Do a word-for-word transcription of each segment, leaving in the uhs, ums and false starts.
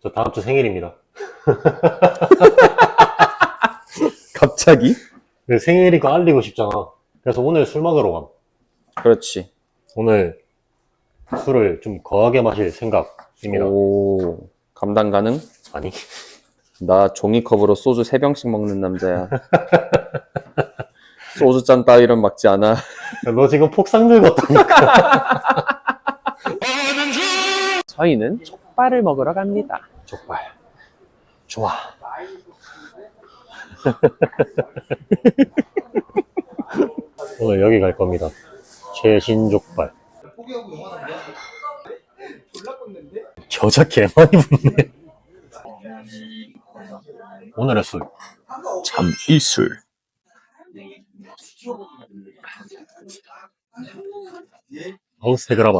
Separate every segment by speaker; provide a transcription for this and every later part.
Speaker 1: 저 다음 주 생일입니다.
Speaker 2: 갑자기?
Speaker 1: 근데 생일이니까 알리고 싶잖아. 그래서 오늘 술 먹으러 감.
Speaker 2: 그렇지.
Speaker 1: 오늘 술을 좀 거하게 마실 생각입니다.
Speaker 2: 오, 감당 가능?
Speaker 1: 아니,
Speaker 2: 나 종이컵으로 소주 세 병씩 먹는 남자야. 소주 잔 따위는 막지 않아.
Speaker 1: 너 지금 폭삭 늙었다니까.
Speaker 2: 저희는 족발을 먹으러 갑니다.
Speaker 1: 족발. 좋아. 오늘 여기 갈 겁니다. 최신족발. 여자 개 많이 붙네. 오늘의 술.
Speaker 2: 참이슬.
Speaker 1: 어우, 새그라바.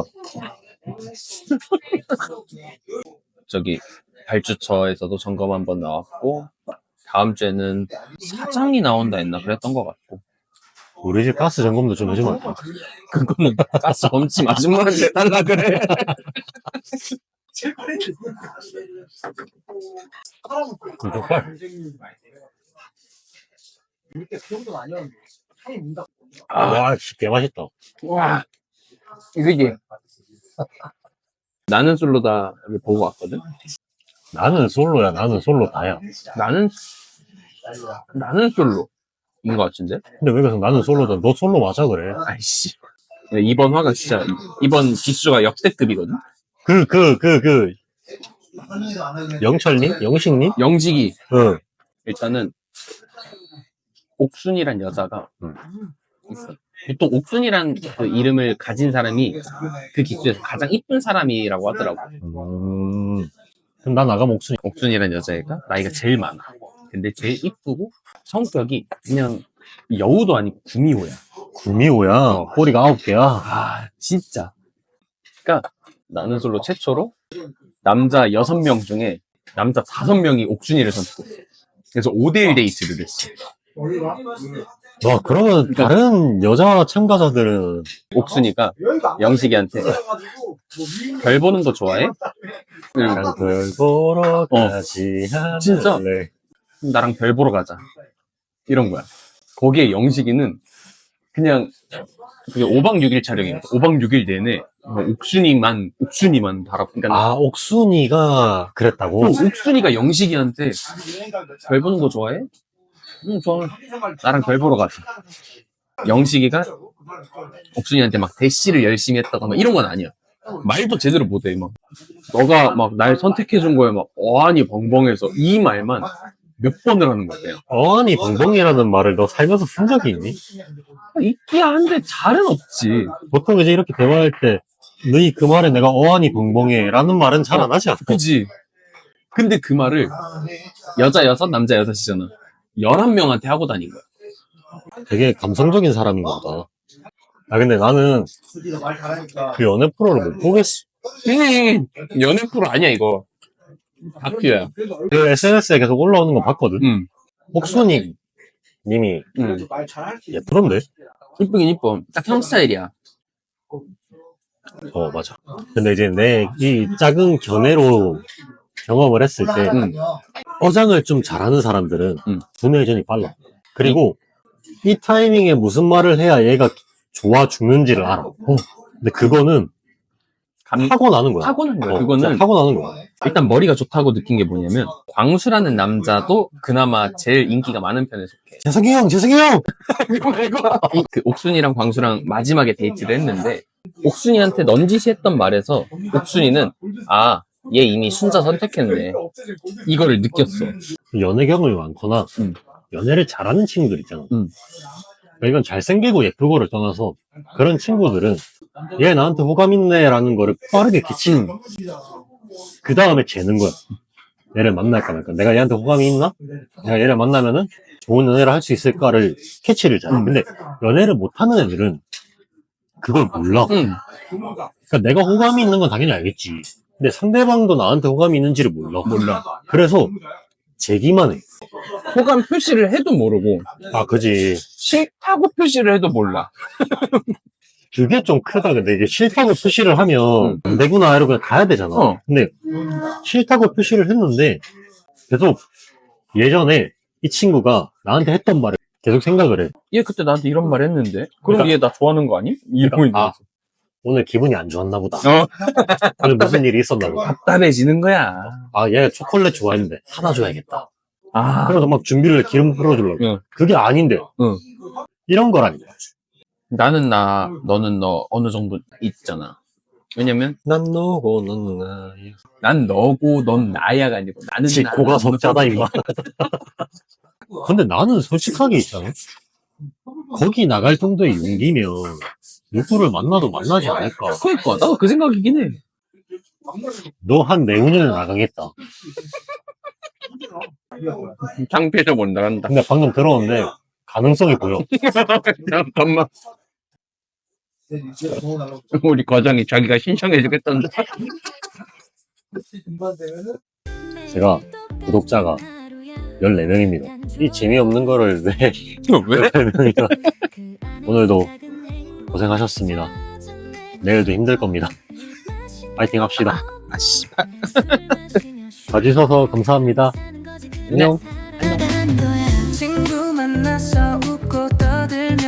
Speaker 2: 저기 발주처에서도 점검 한번 나왔고, 다음 주에는 사장이 나온다 했나 그랬던 것 같고.
Speaker 1: 우리 집 가스 점검도 좀 해주면 안 돼?
Speaker 2: 그거는 가스 검침 아줌마한테 해달라 그래.
Speaker 1: 그 족발.
Speaker 2: 아,
Speaker 1: 와, 씨, 개 맛있다.
Speaker 2: 와, 이거지. 나는 솔로다를 보고 왔거든.
Speaker 1: 나는 솔로야, 나는 솔로 다야.
Speaker 2: 나는 나는 솔로인 것 같은데.
Speaker 1: 근데 왜 그래서 나는 솔로다? 너 솔로 맞아, 그래?
Speaker 2: 아이씨. 이번 화가 진짜 이번 기수가 역대급이거든.
Speaker 1: 그, 그, 그, 그. 영철님? 영식님?
Speaker 2: 영직이
Speaker 1: 응.
Speaker 2: 일단은 옥순이란 여자가
Speaker 1: 음.
Speaker 2: 있어. 보통 옥순이란 그 이름을 가진 사람이 그 기수에서 가장 이쁜 사람이라고 하더라고.
Speaker 1: 음. 그럼 나 나가면 옥순이.
Speaker 2: 옥순이란 여자애가 나이가 제일 많아. 근데 제일 이쁘고 성격이 그냥 여우도 아니고 구미호야.
Speaker 1: 구미호야. 꼬리가 아홉 개야.
Speaker 2: 아, 진짜. 그러니까 나는 솔로 최초로 남자 여섯 명 중에 남자 다섯 명이 옥순이를 선택했어. 그래서 오 대 일 데이트를 했어.
Speaker 1: 와, 그러면 다른 여자 참가자들은
Speaker 2: 옥순이가 영식이한테 별 보는 거 좋아해? 응.
Speaker 1: 그냥 별 보러 가지 않을래.
Speaker 2: 진짜? 나랑 별 보러 가자. 이런 거야. 거기에 영식이는 그냥 그게 오 박 육 일 촬영이야. 오 박 육 일 내내 뭐 옥순이만 옥순이만 바라보. 그러니까
Speaker 1: 아, 옥순이가 그랬다고?
Speaker 2: 또 옥순이가 영식이한테 별 보는 거 좋아해? 응, 좋아. 나랑 별 보러 가자. 영식이가 옥순이한테 막 대시를 열심히 했다가 막 이런 건 아니야. 말도 제대로 못해. 막 너가 막 날 선택해준 거에 막 어안이 벙벙해서 이 말만 몇 번을 하는 거야. 그냥.
Speaker 1: 어안이 벙벙이라는 말을 너 살면서 쓴 적이 있니?
Speaker 2: 있기야 한데 잘은 없지.
Speaker 1: 보통 이제 이렇게 대화할 때 너희 그 말에 내가 어안이 벙벙해 라는 말은 잘 안 하지 않아?
Speaker 2: 그지? 근데 그 말을 여자 여섯, 남자 여섯이잖아. 열한 명한테 하고 다닌 거야.
Speaker 1: 되게 감성적인 사람인가 보다. 아, 근데 나는 그 연애 프로를 못 보겠어.
Speaker 2: 음, 연애 프로 아니야 이거. 다큐야.
Speaker 1: 그 에스엔에스에 계속 올라오는 거 봤거든?
Speaker 2: 응.
Speaker 1: 옥순이 님이
Speaker 2: 응.
Speaker 1: 예쁘던데?
Speaker 2: 이쁘긴 이뻐. 딱 형 스타일이야.
Speaker 1: 어, 맞아. 근데 이제 내 이 작은 견해로 경험을 했을 때
Speaker 2: 응.
Speaker 1: 어장을 좀 잘하는 사람들은
Speaker 2: 응.
Speaker 1: 두뇌전이 빨라. 그리고 이 타이밍에 무슨 말을 해야 얘가 좋아 죽는지를 알아. 어. 근데 그거는
Speaker 2: 감...
Speaker 1: 타고나는 거야.
Speaker 2: 타고난 거야.
Speaker 1: 어,
Speaker 2: 그거는
Speaker 1: 진짜 타고나는 거야.
Speaker 2: 일단 머리가 좋다고 느낀 게 뭐냐면 광수라는 남자도 그나마 제일 인기가 많은 편에 속해.
Speaker 1: 재석이 형, 재석이 형!
Speaker 2: 이- 그 옥순이랑 광수랑 마지막에 데이트를 했는데 옥순이한테 넌지시 했던 말에서 옥순이는 아, 얘 이미 순자 선택했네. 이거를 느꼈어.
Speaker 1: 연애 경험이 많거나
Speaker 2: 응.
Speaker 1: 연애를 잘하는 친구들 있잖아.
Speaker 2: 응.
Speaker 1: 그러니까 이건 잘생기고 예쁘고를 떠나서 그런 친구들은 얘 나한테 호감 있네 라는 거를 빠르게 캐치는 거야. 그 다음에 재는 거야. 얘를 만날까 말까. 내가 얘한테 호감이 있나? 내가 얘를 만나면은 좋은 연애를 할 수 있을까를 캐치를 잘해. 근데 연애를 못하는 애들은 그걸 몰라.
Speaker 2: 응.
Speaker 1: 그러니까 내가 호감이 있는 건 당연히 알겠지. 근데 상대방도 나한테 호감이 있는지를 몰라.
Speaker 2: 몰라.
Speaker 1: 그래서 재기만 해.
Speaker 2: 호감 표시를 해도 모르고
Speaker 1: 아, 그지.
Speaker 2: 싫다고 표시를 해도 몰라.
Speaker 1: 그게 좀 크다. 근데 이게 싫다고 표시를 하면 안 되구나 이러고 그냥 가야 되잖아.
Speaker 2: 어.
Speaker 1: 근데 싫다고 표시를 했는데 계속 예전에 이 친구가 나한테 했던 말을 계속 생각을 해.
Speaker 2: 얘 그때 나한테 이런 말 했는데 그럼
Speaker 1: 그러니까-
Speaker 2: 얘 나 좋아하는 거 아니? 이러고 있는
Speaker 1: 아,
Speaker 2: 거지.
Speaker 1: 오늘 기분이 안 좋았나 보다.
Speaker 2: 어.
Speaker 1: 오늘 무슨 일이 있었나 보다.
Speaker 2: 답답해지는 거야.
Speaker 1: 아, 얘 초콜릿 좋아했는데 사다 줘야겠다.
Speaker 2: 아.
Speaker 1: 그래서 막 준비를 해, 기름 풀어주려고.
Speaker 2: 응.
Speaker 1: 그게 아닌데.
Speaker 2: 응.
Speaker 1: 이런 거라니까.
Speaker 2: 나는 나, 너는 너 어느 정도 있잖아. 왜냐면
Speaker 1: 난 너고 넌 나야.
Speaker 2: 난 너고 넌 나야가 아니고 나는 나.
Speaker 1: 고가 석자다 임마. 근데 나는 솔직하게 있잖아. 거기 나갈 정도의 용기면 누구를 만나도 만나지 않을까.
Speaker 2: 그러니까 나도 그 생각이긴 해.
Speaker 1: 너 한 내후년에 나가겠다.
Speaker 2: 창피해서 못 나간다.
Speaker 1: 근데 방금 들었는데 가능성이 보여.
Speaker 2: 잠깐만. 우리 과장이 자기가 신청해주겠다는데.
Speaker 1: 제가 구독자가 열네 명입니다. 이 재미없는 거를 왜
Speaker 2: 왜?
Speaker 1: 열네 명이나. 오늘도 고생하셨습니다. 내일도 힘들 겁니다. 파이팅 합시다.
Speaker 2: 아, 씨발.
Speaker 1: 봐주셔서 감사합니다. 안녕.
Speaker 3: 친구 만나서 웃고 떠들며